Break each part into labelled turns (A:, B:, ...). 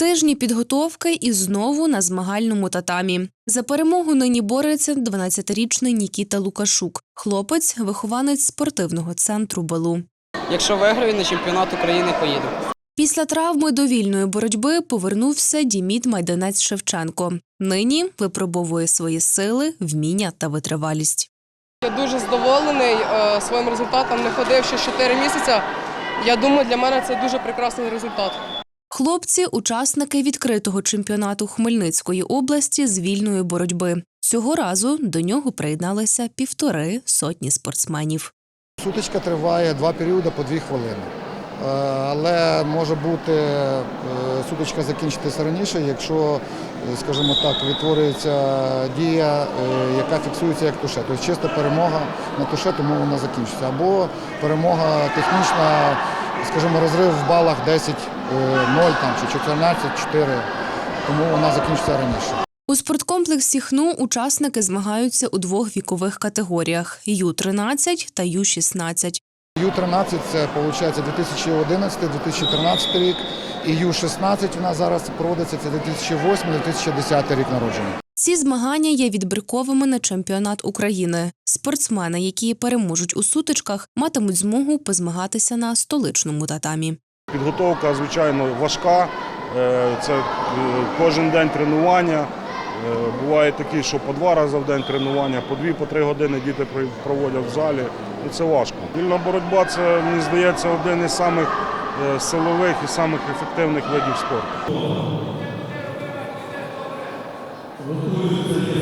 A: Тижні підготовки і знову на змагальному татамі. За перемогу нині бореться 12-річний Нікіта Лукашук. Хлопець – вихованець спортивного центру «Белу».
B: Якщо виграю, на чемпіонат України поїду.
A: Після травми до вільної боротьби повернувся Діміт Майданець-Шевченко. Нині випробовує свої сили, вміння та витривалість.
C: Я дуже задоволений своїм результатом. Не ходив ще 4 місяці. Я думаю, для мене це дуже прекрасний результат.
A: Хлопці – учасники відкритого чемпіонату Хмельницької області з вільної боротьби. Цього разу до нього приєдналися 150 спортсменів.
D: Сутичка триває 2 періоди по 2 хвилини. Але може бути сутичка закінчитися раніше, якщо, скажімо так, відтворюється дія, яка фіксується як туше. Тобто чиста перемога на туше, тому вона закінчиться. Або перемога технічна, скажімо, розрив в балах 10-0 чи 14-4, тому вона закінчиться раніше.
A: У спорткомплексі «ХНУ» учасники змагаються у 2 вікових категоріях – Ю-13 та Ю-16.
D: Ю-13 – це, виходить, 2011-2013 рік, і Ю-16 у нас зараз проводиться, це 2008-2010 рік народження.
A: Ці змагання є відбірковими на чемпіонат України. Спортсмени, які переможуть у сутичках, матимуть змогу позмагатися на столичному татамі.
E: Підготовка, звичайно, важка. Це кожен день тренування. Буває такі, що по 2 рази в день тренування, по 2-3 години діти проводять в залі. І це важко. Вільна боротьба – це, мені здається, один із самих силових і самих ефективних видів спорту.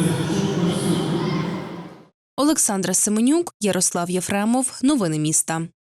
A: Олександра Семенюк, Ярослав Єфремов. Новини міста.